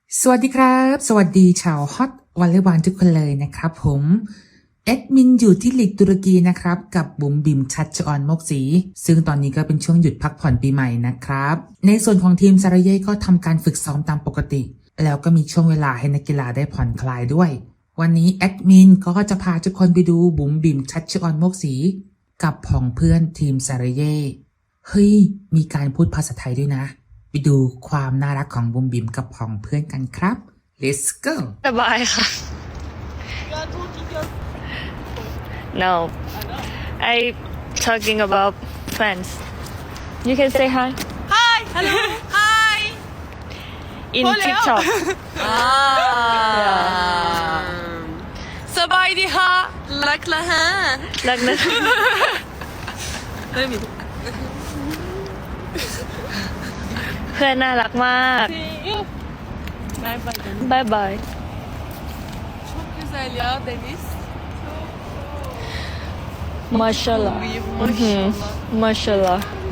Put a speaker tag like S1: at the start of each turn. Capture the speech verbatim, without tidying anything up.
S1: สวัสดีครับสวัสดีชาวฮอตวอลเลย์บอลทุกคนเลยนะครับผมแอดมินอยู่ที่ลีกตุรกีนะครับกับบุ๋มบิมชัชออนมกศรีซึ่งตอนนี้ก็เป็นช่วงหยุดพักผ่อนปีใหม่นะครับในส่วนของทีมซาราเย่ก็ทำการฝึกซ้อมตามปกติแล้วก็มีช่วงเวลาให้นักกีฬาได้ผ่อนคลายด้วยวันนี้แอดมินก็จะพาทุกคนไปดูบุ๋มบิมชัชออนมกศรีกับผองเพื่อนทีมซาราเย่เฮ้ยมีการพูดภาษาไทยด้วยนะไปดูความน่ารักของบุ๋มบิมกับผองเพื่อนกันครับ let's go
S2: สบายค่ะ No I talking about friends You can say hi
S3: Hi hello Hi
S2: in TikTok
S3: สบายดีฮะรักละฮะ
S2: รักนะ
S3: ไม่มี
S2: เพื่อนน่ารักมาก
S3: บายบาย
S2: บายบาย
S3: Çok güzel ya deniz
S2: Maşallah
S3: Büyük
S2: Mhm.
S3: maşallah
S2: Maşallah